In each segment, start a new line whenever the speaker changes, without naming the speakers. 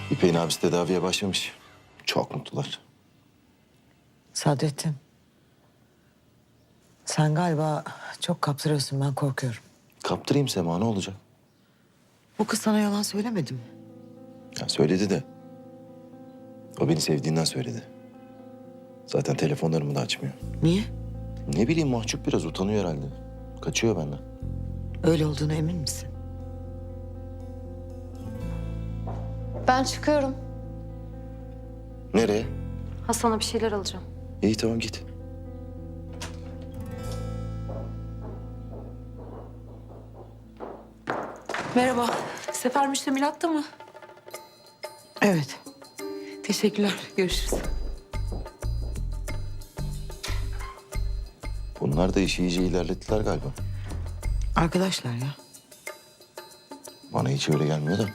İpek'in abisi tedaviye başlamış. Çok mutlular.
Sadrettin. Sen galiba çok kaptırıyorsun, ben korkuyorum.
Kaptırayım Sema, ne olacak?
Bu kız sana yalan söylemedi mi?
Ya söyledi de. O beni sevdiğinden söyledi. Zaten telefonlarımı da açmıyor.
Niye?
Ne bileyim, mahcup, biraz utanıyor herhalde. Kaçıyor benden.
Öyle olduğuna emin misin?
Ben çıkıyorum.
Nereye?
Hasan'a bir şeyler alacağım.
İyi, tamam, git.
Merhaba. Sefer müştemilatta mı?
Evet.
Teşekkürler. Görüşürüz.
Bunlar da işi iyice ilerlettiler galiba.
Arkadaşlar ya.
Bana hiç öyle gelmiyor da.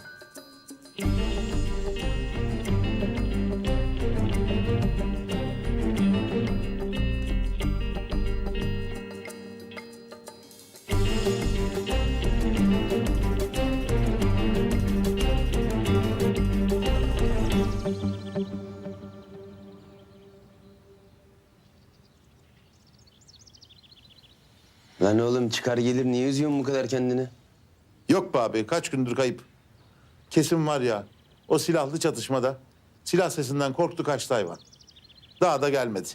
Lan oğlum çıkar gelir niye üzüyorsun bu kadar kendini?
Yok be abi, kaç gündür kayıp. Kesin var ya, o silahlı çatışmada silah sesinden korktu, kaçtı hayvan. Daha da gelmedi.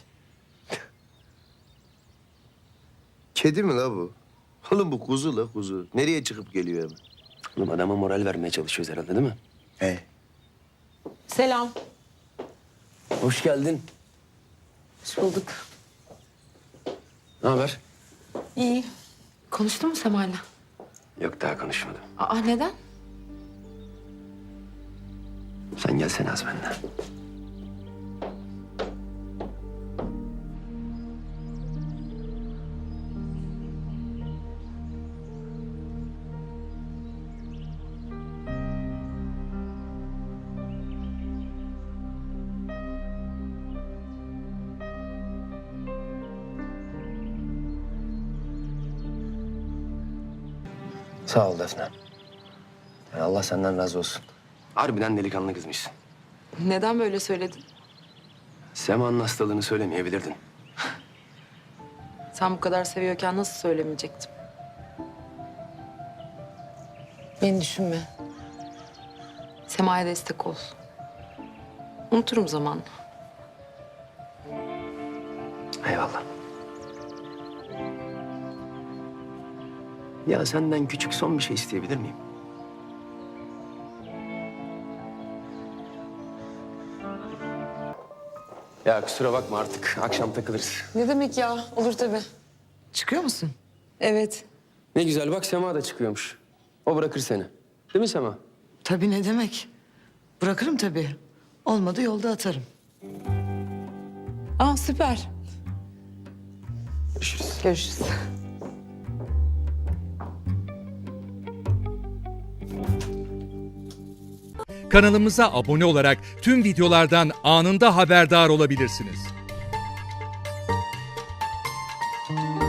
Kedi mi la bu? Oğlum bu kuzu la kuzu. Nereye çıkıp geliyor hemen? Oğlum adama moral vermeye çalışıyoruz herhalde değil mi? He.
Selam.
Hoş geldin.
Hoş bulduk.
Ne haber?
İyi. Konuştun mu Sema'yla?
Yok daha konuşmadım.
Aa neden?
Sen gelsene az benden. Sağ ol Defne. Yani Allah senden razı olsun. Harbiden delikanlı kızmışsın.
Neden böyle söyledin?
Sema'nın hastalığını söylemeyebilirdin.
Sen bu kadar seviyorken nasıl söylemeyecektim? Beni düşünme. Sema'ya destek ol. Unuturum zamanla.
Eyvallah. Ya senden küçük son bir şey isteyebilir miyim? Ya kusura bakma artık. Akşam takılırız.
Ne demek ya? Olur tabii.
Çıkıyor musun?
Evet.
Ne güzel bak Sema da çıkıyormuş. O bırakır seni. Değil mi Sema?
Tabii, ne demek? Bırakırım tabii. Olmadı yolda atarım.
Aa süper.
Görüşürüz.
Görüşürüz.
Kanalımıza abone olarak tüm videolardan anında haberdar olabilirsiniz.